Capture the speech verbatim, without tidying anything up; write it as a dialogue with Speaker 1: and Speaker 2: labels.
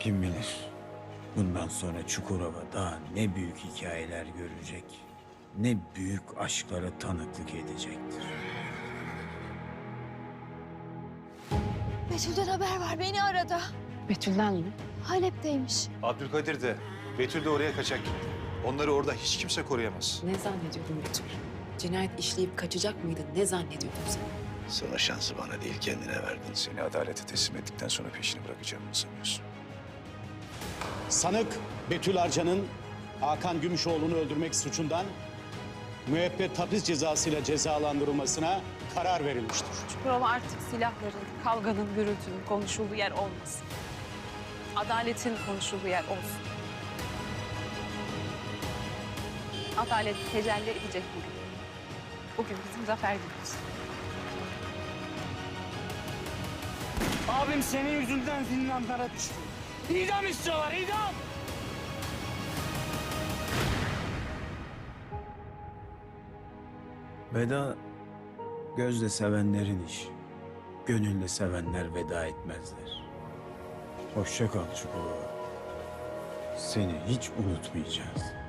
Speaker 1: Kim bilir, bundan sonra Çukurova daha ne büyük hikayeler görecek, ne büyük aşklara tanıklık edecektir.
Speaker 2: Betül'den haber var, beni aradı.
Speaker 3: Betül'den mi?
Speaker 2: Halep'teymiş.
Speaker 4: Abdülkadir de, Betül de oraya kaçak gitti. Onları orada hiç kimse koruyamaz.
Speaker 3: Ne zannediyordun Betül? Cinayet işleyip kaçacak mıydın? Ne zannediyordun sen?
Speaker 4: Sana şansı bana değil kendine verdin. Seni adalete teslim ettikten sonra peşini bırakacağımı sanıyorsun.
Speaker 5: Sanık Betül Arcan'ın Hakan Gümüşoğlu'nu öldürmek suçundan müebbet hapis cezasıyla cezalandırılmasına karar verilmiştir.
Speaker 6: Çukurova artık silahların, kavganın, gürültünün konuşulduğu yer olmasın. Adaletin konuşulduğu yer olsun. Adalet tecelli edecek bugün. Bugün bizim zafer günümüz.
Speaker 7: Abim senin yüzünden zindanlara düştü. İdam istiyorlar, idam!
Speaker 1: Veda, gözle sevenlerin işi. Gönülle sevenler veda etmezler. Hoşça kal Çukurova. Seni hiç unutmayacağız.